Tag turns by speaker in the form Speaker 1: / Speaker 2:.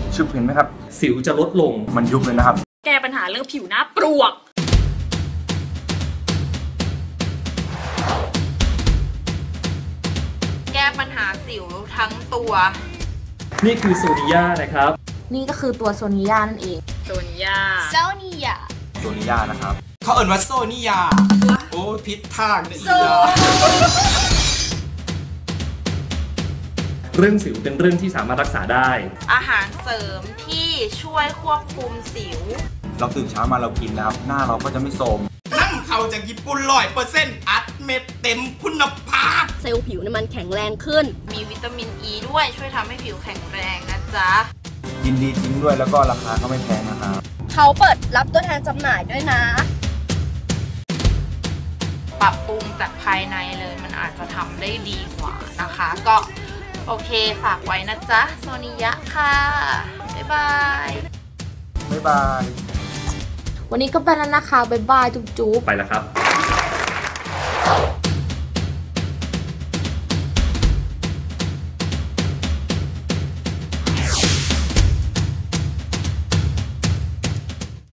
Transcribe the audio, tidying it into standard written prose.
Speaker 1: ชุบเห็นไหมครับ
Speaker 2: สิวจะลดลง
Speaker 1: มันยุบเลยนะครับ
Speaker 3: แก้ปัญหาเรื่องผิวหน้าปลวก
Speaker 4: แก้ปัญหาสิวทั้งตัว
Speaker 2: นี่คือโซนิยานะครับ
Speaker 5: นี่ก็คือตัวโซนิยานั่นเอง
Speaker 3: โซนิยา
Speaker 1: นะครับ
Speaker 6: เขาเอ่ยว่าโซนิยาโอ้พิษทางนะอีก
Speaker 2: เรื่องสิวเป็นเรื่องที่สามารถรักษาได้
Speaker 4: อาหารเสริมที่ช่วยควบคุมสิว
Speaker 1: เราตื่นเช้ามาเรากินนะครับหน้าเราก็จะไม่โทรม
Speaker 6: นั่งเขาจากญี่ปุ่น100%อัดเม็ดเต็มคุณภาพ
Speaker 5: เซลล์ผิวมันแข็งแรงขึ้น
Speaker 4: มีวิตามินอ e ีด้วยช่วยทำให้ผิวแข็งแรงนะจ๊ะ
Speaker 1: ยินดีจริงด้วยแล้วก็ราคาก็ไม่แพงนะครับ
Speaker 5: เขาเปิดรับตัวแทนจำหน่ายด้วยนะ
Speaker 4: ปรับปรุงจากภายในเลยมันอาจจะทำได้ดีกว่านะคะก็โอเคฝากไว้นะจ๊ะโซนิยะค่ะบ๊ายบาย
Speaker 1: บ๊ายบาย
Speaker 5: วันนี้ก็ไปแล้วนะคะบ๊ายบายจุ๊บ
Speaker 2: ไปแล้วครับ